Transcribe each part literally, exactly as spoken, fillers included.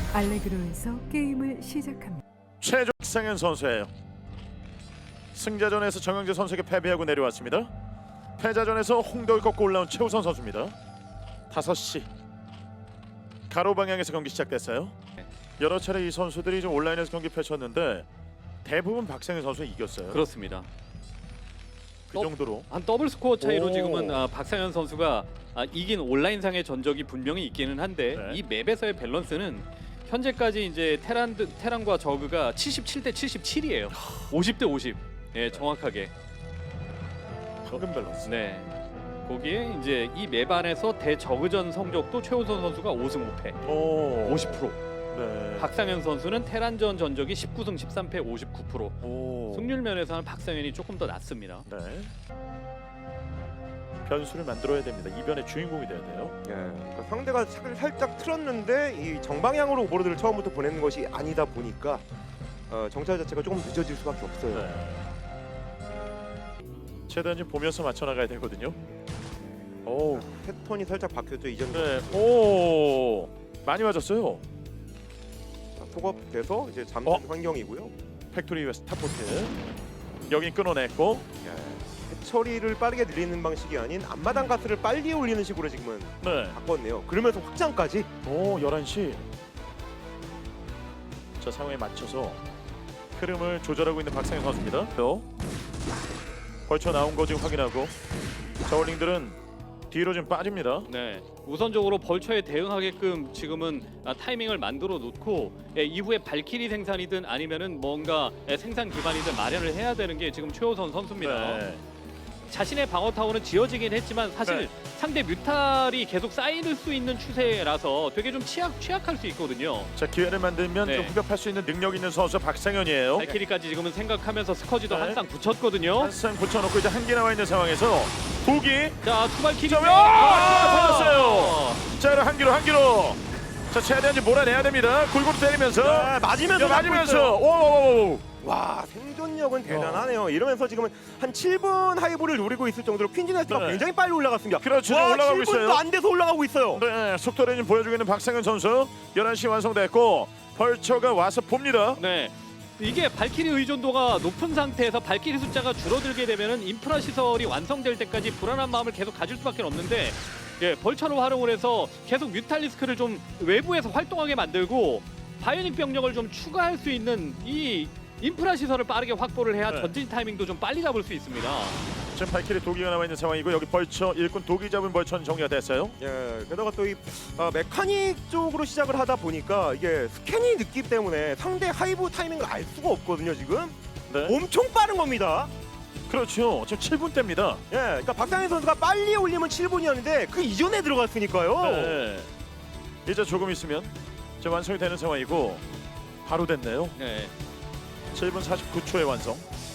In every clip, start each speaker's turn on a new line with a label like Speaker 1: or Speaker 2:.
Speaker 1: 알레그로에서 게임을 시작합니다.
Speaker 2: 최종 박상현 선수예요. 승자전에서 정영재 선수에게 패배하고 내려왔습니다. 패자전에서 홍덕을 꺾고 올라온 최우선 선수입니다. 다섯 시 가로 방향에서 경기 시작됐어요. 여러 차례 이 선수들이 좀 온라인에서 경기 펼쳤는데 대부분 박상현 선수가 이겼어요.
Speaker 3: 그렇습니다.
Speaker 2: 그
Speaker 3: 어?
Speaker 2: 정도로
Speaker 3: 한 더블 스코어 차이로
Speaker 2: 오.
Speaker 3: 지금은 아, 박상현 선수가 아, 이긴 온라인상의 전적이 분명히 있기는 한데
Speaker 2: 네.
Speaker 3: 이 맵에서의 밸런스는 현재까지 이제 테란 테란과 저그가 칠십칠 대 칠십칠이에요. 오십 대 오십. 예, 정확하게.
Speaker 2: 황금 밸런스.
Speaker 3: 네. 거기에 이제 이 맵 안에서 대저그전 성적도 최우선 선수가 오 승 오 패.
Speaker 2: 오.
Speaker 3: 오십 퍼센트.
Speaker 2: 네.
Speaker 3: 박상현 선수는 테란전 전적이 십구 승 십삼 패 오십구 퍼센트.
Speaker 2: 오.
Speaker 3: 승률 면에서는 박상현이 조금 더 낫습니다.
Speaker 2: 네. 변수를 만들어야 됩니다. 이변의 주인공이 돼야 돼요.
Speaker 4: 예, 그러니까 상대가 차를 살짝 틀었는데 이 정방향으로 오버로드를 처음부터 보내는 것이 아니다 보니까 어, 정찰 자체가 조금 늦어질 수밖에 없어요.
Speaker 2: 네. 최대한 좀 보면서 맞춰 나가야 되거든요. 오.
Speaker 4: 패턴이 살짝 바뀌었죠 이전.
Speaker 2: 네. 오. 많이 맞았어요.
Speaker 4: 속업돼서 이제 잠든
Speaker 2: 어?
Speaker 4: 환경이고요.
Speaker 2: 팩토리 웨스트 탑포트. 여긴 끊어냈고.
Speaker 4: 예, 처리를 빠르게 늘리는 방식이 아닌 앞마당 가스를 빨리 올리는 식으로 지금은
Speaker 2: 네.
Speaker 4: 바꿨네요. 그러면서 확장까지.
Speaker 2: 오, 열한 시. 자, 상황에 맞춰서 흐름을 조절하고 있는 박상현 선수입니다. 또 벌쳐 나온 거 지금 확인하고 저울링들은 뒤로 좀 빠집니다.
Speaker 3: 네, 우선적으로 벌처에 대응하게끔 지금은 아, 타이밍을 만들어 놓고 예, 이후에 발키리 생산이든 아니면은 뭔가 예, 생산 기반이든 마련을 해야 되는 게 지금 최우선 선수입니다.
Speaker 2: 네.
Speaker 3: 자신의 방어 타워는 지어지긴 했지만 사실
Speaker 2: 네.
Speaker 3: 상대 뮤탈이 계속 쌓일 수 있는 추세라서 되게 좀 취약, 취약할 수 있거든요.
Speaker 2: 자, 기회를 만들면
Speaker 3: 네.
Speaker 2: 좀 후벼팔 수 있는 능력 있는 선수 박상현이에요.
Speaker 3: 발키리까지 지금은 생각하면서 스커지도
Speaker 2: 네.
Speaker 3: 한 쌍 붙였거든요.
Speaker 2: 한쌍 붙여놓고 이제 한 개 나와 있는 상황에서 두기.
Speaker 3: 자, 투발키리.
Speaker 2: 자, 아! 터졌어요. 자, 그럼 한 기로 한 기로. 자, 최대한 좀 몰아내야 됩니다. 골고루 때리면서.
Speaker 4: 네, 맞으면서
Speaker 2: 야, 맞으면서.
Speaker 4: 잡고 있어요.
Speaker 2: 오오오오.
Speaker 4: 와, 생존력은 대단하네요. 이러면서 지금은 한 칠 분 하이브를 노리고 있을 정도로 퀸즈네스가
Speaker 2: 네.
Speaker 4: 굉장히 빨리 올라갔습니다.
Speaker 2: 그렇죠.
Speaker 4: 와,
Speaker 2: 올라가고
Speaker 4: 칠 분도
Speaker 2: 있어요.
Speaker 4: 안 돼서 올라가고 있어요.
Speaker 2: 네, 속도를 좀 보여주고 있는 박상현 선수. 열한 시 완성됐고 벌처가 와서 봅니다.
Speaker 3: 네. 이게 발키리 의존도가 높은 상태에서 발키리 숫자가 줄어들게 되면은 인프라 시설이 완성될 때까지 불안한 마음을 계속 가질 수밖에 없는데 예, 벌처를 활용을 해서 계속 뮤탈리스크를 좀 외부에서 활동하게 만들고 바이오닉 병력을 좀 추가할 수 있는 이 인프라 시설을 빠르게 확보를 해야
Speaker 2: 네.
Speaker 3: 전진 타이밍도 좀 빨리 잡을 수 있습니다.
Speaker 2: 지금 발키리 도기가 나와 있는 상황이고 여기 벌처 일꾼 도기 잡은 벌처는 정리가 됐어요.
Speaker 4: 예, 게다가 또 이 아, 메카닉 쪽으로 시작을 하다 보니까 이게 스캔이 늦기 때문에 상대 하이브 타이밍을 알 수가 없거든요. 지금
Speaker 2: 네.
Speaker 4: 엄청 빠른 겁니다.
Speaker 2: 그렇죠. 지금 칠 분 대입니다.
Speaker 4: 예, 그러니까 박상현 선수가 빨리 올리면 칠 분이었는데 그 이전에 들어갔으니까요.
Speaker 2: 네. 이제 조금 있으면 이제 완성이 되는 상황이고 바로 됐네요.
Speaker 3: 네.
Speaker 2: 칠 분 사십구 초에 완성.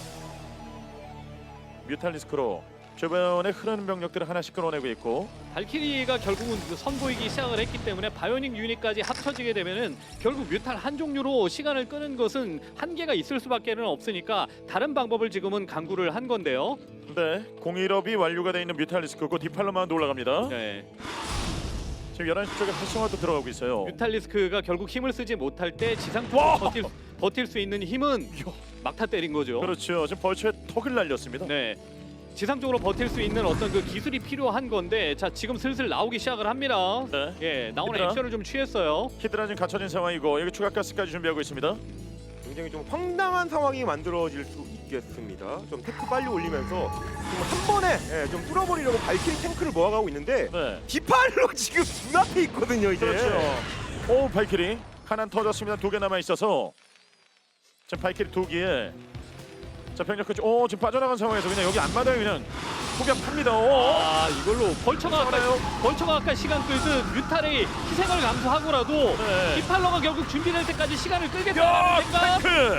Speaker 2: 뮤탈리스크로 주변에 흐르는 병력들을 하나씩 끌어내고 있고.
Speaker 3: 발키리가 결국은 그 선보이기 시작을 했기 때문에 바이오닉 유닛까지 합쳐지게 되면은 결국 뮤탈 한 종류로 시간을 끄는 것은 한계가 있을 수밖에는 없으니까 다른 방법을 지금은 강구를 한 건데요.
Speaker 2: 네, 공일업이 완료가 되어 있는 뮤탈리스크고 디팔로마운드 올라갑니다.
Speaker 3: 네.
Speaker 2: 지금 열한 시 쪽에 활성화도 들어가고 있어요.
Speaker 3: 뮤탈리스크가 결국 힘을 쓰지 못할 때 지상
Speaker 2: 와!
Speaker 3: 쪽으로 버틸, 버틸 수 있는 힘은 막타 때린 거죠.
Speaker 2: 그렇죠. 지금 벌처에 턱을 날렸습니다.
Speaker 3: 네. 지상 쪽으로 버틸 수 있는 어떤 그 기술이 필요한 건데 자 지금 슬슬 나오기 시작을 합니다.
Speaker 2: 네.
Speaker 3: 예, 나오는
Speaker 2: 히드라.
Speaker 3: 액션을 좀 취했어요.
Speaker 2: 히드라 지금 갖춰진 상황이고 여기 추가 가스까지 준비하고 있습니다.
Speaker 4: 굉장히 좀 황당한 상황이 만들어질 수 있겠습니다. 좀 테크 빨리 올리면서 지금 한 번에 예, 좀 뚫어버리려고 발키리 탱크를 모아가고 있는데
Speaker 2: 네.
Speaker 4: 디팔로 지금 눈앞에 있거든요. 이제.
Speaker 2: 그렇죠. 오, 발키리 하나 터졌습니다. 두 개 남아 있어서 지금 발키리 두 개에 자 병력 끝. 오, 지금 빠져나간 상황에서 그냥 여기 앞마당에 그냥 포격합니다. 오.
Speaker 3: 아 이걸로 벌처가 아까
Speaker 2: 싸우나요?
Speaker 3: 벌처가 아까 시간 끌듯 뮤탈의 희생을 감수하고라도
Speaker 2: 네.
Speaker 3: 디팔러가 결국 준비될 때까지 시간을
Speaker 2: 야,
Speaker 3: 끌겠다는 생각.
Speaker 2: 탱크.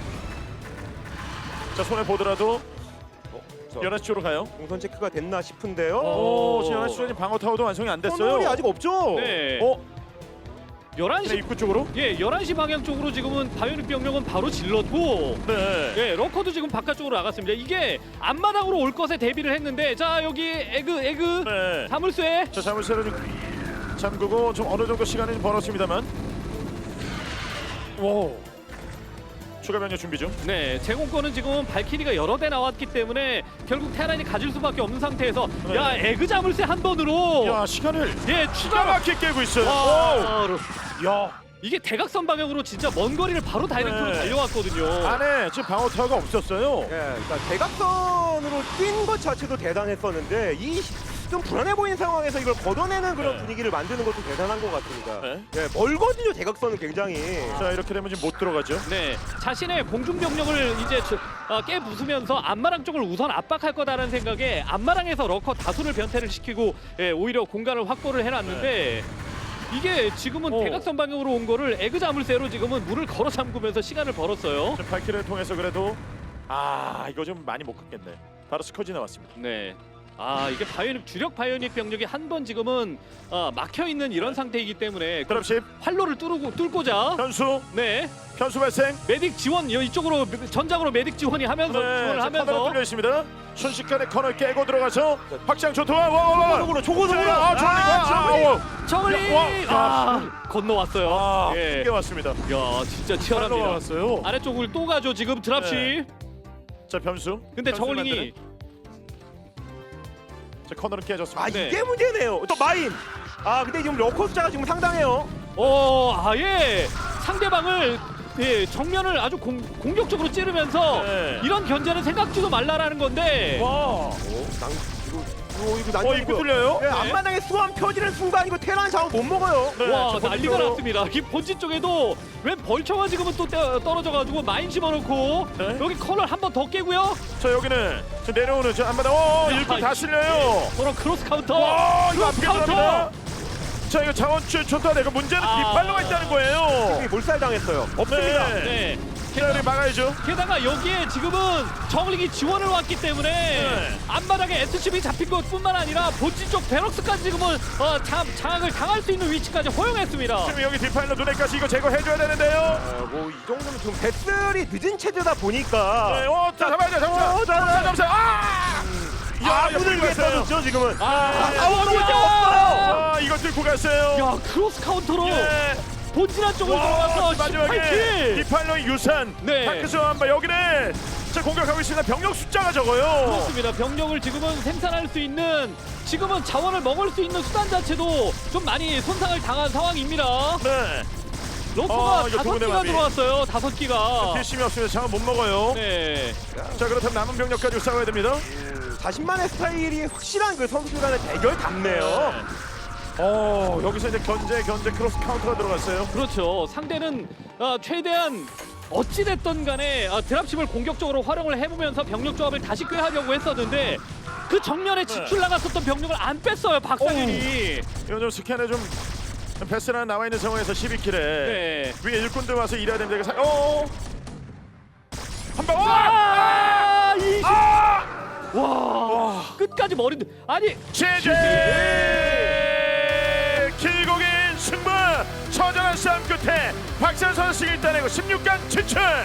Speaker 2: 자 손에 보더라도
Speaker 4: 어, 자,
Speaker 2: 열한 시 쪽으로 가요.
Speaker 4: 동선 체크가 됐나 싶은데요.
Speaker 2: 오, 지금 열한 시 쪽에 방어 타워도 완성이 안 됐어요.
Speaker 4: 터널이 아직 없죠.
Speaker 3: 네.
Speaker 2: 어,
Speaker 3: 열한
Speaker 2: 그냥
Speaker 3: 시
Speaker 2: 입구 쪽으로?
Speaker 3: 예, 열한 시 방향 쪽으로 지금은 바이오닉 병력은 바로 질렀고
Speaker 2: 네.
Speaker 3: 예, 러커도 지금 바깥쪽으로 나갔습니다. 이게 앞마당으로 올 것에 대비를 했는데 자 여기 에그 에그
Speaker 2: 네.
Speaker 3: 사물쇠
Speaker 2: 자 자물쇠를 좀 잠그고 좀 어느 정도 시간을 좀 벌었습니다만 오. 추가 병력 준비 중.
Speaker 3: 네, 제공권은 지금 발키리가 여러 대 나왔기 때문에 결국 테란이 가질 수밖에 없는 상태에서
Speaker 2: 네.
Speaker 3: 야 에그 자물쇠 한 번으로
Speaker 2: 야 시간을
Speaker 3: 예
Speaker 2: 기가
Speaker 3: 추가
Speaker 2: 막히게 깨고 있어요.
Speaker 3: 와,
Speaker 2: 오. 야
Speaker 3: 이게 대각선 방향으로 진짜 먼 거리를 바로 다이렉트로
Speaker 2: 네.
Speaker 3: 달려왔거든요.
Speaker 2: 안에 지금 방어 타워가 없었어요.
Speaker 4: 예, 그러니까 대각선으로 뛴 것 자체도 대단했었는데 이 좀 불안해 보이는 상황에서 이걸 걷어내는 그런
Speaker 2: 네.
Speaker 4: 분위기를 만드는 것도 대단한 것 같습니다.
Speaker 2: 네.
Speaker 4: 예, 멀거든요 대각선은 굉장히.
Speaker 2: 자 이렇게 되면 지금 못 들어가죠.
Speaker 3: 네, 자신의 공중 병력을 이제 주- 어, 깨 부수면서 안마랑 쪽을 우선 압박할 거다라는 생각에 안마랑에서 러커 다수를 변태를 시키고 예, 오히려 공간을 확보를 해놨는데 이게 지금은
Speaker 2: 오.
Speaker 3: 대각선 방향으로 온 거를 에그 자물쇠로 지금은 물을 걸어 잠그면서 시간을 벌었어요.
Speaker 2: 지금 발키를 통해서 그래도 아 이거 좀 많이 못 갔겠네. 바로 스커지 나왔습니다.
Speaker 3: 네. 아 이게 바이오닉 주력 바이오닉 병력이 한 번 지금은 어, 막혀 있는 이런 상태이기 때문에 그
Speaker 2: 드랍십
Speaker 3: 활로를 뚫고 뚫고자
Speaker 2: 변수
Speaker 3: 네
Speaker 2: 변수 발생.
Speaker 3: 메딕 지원 여- 이쪽으로 전장으로 메딕 지원이 하면서 지원을
Speaker 2: 자, 카메라
Speaker 3: 하면서
Speaker 2: 뚫려 있습니다. 순식간에 커널 깨고 들어가서 확장 초토화. 와와와.
Speaker 4: 초고속으로 초고속으로.
Speaker 2: 아 저리 와.
Speaker 3: 저글링
Speaker 2: 와,
Speaker 3: 아 건너왔어요.
Speaker 2: 아
Speaker 3: 예.
Speaker 2: 이게 왔습니다.
Speaker 3: 야 진짜 치열합니다.
Speaker 2: 왔어요.
Speaker 3: 아래쪽을 또 가죠 지금 드랍시.
Speaker 2: 네. 자 변수.
Speaker 3: 근데
Speaker 2: 변수
Speaker 3: 저글링이
Speaker 2: 만드는. 자 커널은 깨졌습니다.
Speaker 4: 아
Speaker 3: 네.
Speaker 4: 이게 문제네요. 또 마인. 아 근데 지금 러커 숫자가 지금 상당해요.
Speaker 3: 어 아예 상대방을 예, 정면을 아주 공, 공격적으로 찌르면서
Speaker 2: 네.
Speaker 3: 이런 견제는 생각지도 말라라는 건데
Speaker 2: 와.
Speaker 4: 어, 난 이거 이거 이거 난
Speaker 2: 어 이거 뚫려요?
Speaker 4: 예, 앞마당에 수완 펴지는 순간 이거 테란 자원 못 먹어요.
Speaker 2: 네,
Speaker 3: 와
Speaker 2: 저
Speaker 3: 난리가
Speaker 2: 본진으로.
Speaker 3: 났습니다. 이 본진 쪽에도 웬 벌처가 지금은 또 떼- 떨어져가지고 마인 집어넣고
Speaker 2: 네.
Speaker 3: 여기 커널 한 번 더 깨고요.
Speaker 2: 자 여기는 저 내려오는 저 안마다. 오
Speaker 3: 야,
Speaker 2: 일꾼 다
Speaker 3: 이-
Speaker 2: 실려요.
Speaker 3: 서로 크로스 카운터.
Speaker 2: 와 이거
Speaker 3: 크로스
Speaker 2: 앞에 들어갑니다. 자 이거 자원줄 좋다. 이거 문제는
Speaker 3: 아.
Speaker 2: 뒷발로가 있다는 거예요.
Speaker 4: 이게 몰살당했어요. 없습니다.
Speaker 2: 네.
Speaker 3: 네.
Speaker 2: 자 우리 막아야죠.
Speaker 3: 게다가 여기에 지금은 저글링이 지원을 왔기 때문에
Speaker 2: 네.
Speaker 3: 앞마당에 에스씨비 잡힌 것뿐만 아니라 본진 쪽 베럭스까지 지금은 어, 장, 장악을 당할 수 있는 위치까지 허용했습니다.
Speaker 2: 지금 여기 뒷파일러 눈에까지 이거 제거해줘야 되는데요.
Speaker 4: 어, 뭐이 정도면 지금 배슬이 늦은 체제다 보니까
Speaker 2: 네, 어, 자, 잡아야 돼, 잡아.
Speaker 4: 어, 자,
Speaker 2: 잡아, 잡아. 아!
Speaker 4: 아,
Speaker 2: 이거
Speaker 4: 문을 위해
Speaker 2: 갔어요.
Speaker 4: 떠줬죠 지금은.
Speaker 3: 아,
Speaker 4: 아,
Speaker 3: 싸워보자!
Speaker 4: 없어요.
Speaker 2: 아, 이거 들고 갔어요.
Speaker 3: 야 크로스 카운터로
Speaker 2: 예.
Speaker 3: 본진한 쪽을
Speaker 2: 와,
Speaker 3: 들어가서
Speaker 2: 마지막에
Speaker 3: 십팔 킬.
Speaker 2: 뒷파일러 유산.
Speaker 3: 네.
Speaker 2: 다크스 한바 여기는 자 공격하고 있습니다. 병력 숫자가 적어요.
Speaker 3: 그렇습니다. 병력을 지금은 생산할 수 있는 지금은 자원을 먹을 수 있는 수단 자체도 좀 많이 손상을 당한 상황입니다.
Speaker 2: 네.
Speaker 3: 러커가
Speaker 2: 아, 이거
Speaker 3: 다섯
Speaker 2: 도군의
Speaker 3: 기가
Speaker 2: 마비.
Speaker 3: 들어왔어요. 다섯 기가.
Speaker 2: 필심이 없으면 장은 못 먹어요.
Speaker 3: 네.
Speaker 2: 자 그렇다면 남은 병력 가지고 싸워야 됩니다.
Speaker 4: 음, 자신만의 스타일이 확실한 그 선수들 간의 대결 답네요.
Speaker 2: 어 여기서 이제 견제 견제 크로스 카운터가 들어갔어요.
Speaker 3: 그렇죠. 상대는 어, 최대한 어찌됐든 간에 어, 드랍십을 공격적으로 활용을 해보면서 병력 조합을 다시 꾀하려고 했었는데 그 정면에 지출 나갔었던 병력을 안 뺐어요. 박상현이.
Speaker 2: 이거 좀 스캔에 좀 패스나 나와 있는 상황에서 십이 킬에
Speaker 3: 네.
Speaker 2: 위에 일꾼들 와서 일해야 됩니다. 이거 사... 어. 한 방.
Speaker 3: 아! 이...
Speaker 2: 아!
Speaker 3: 와! 끝까지 머리 아니
Speaker 2: 제제 길고긴 승부 처절한 싸움 끝에 박찬선 선수 일단내고 십육 강 진출.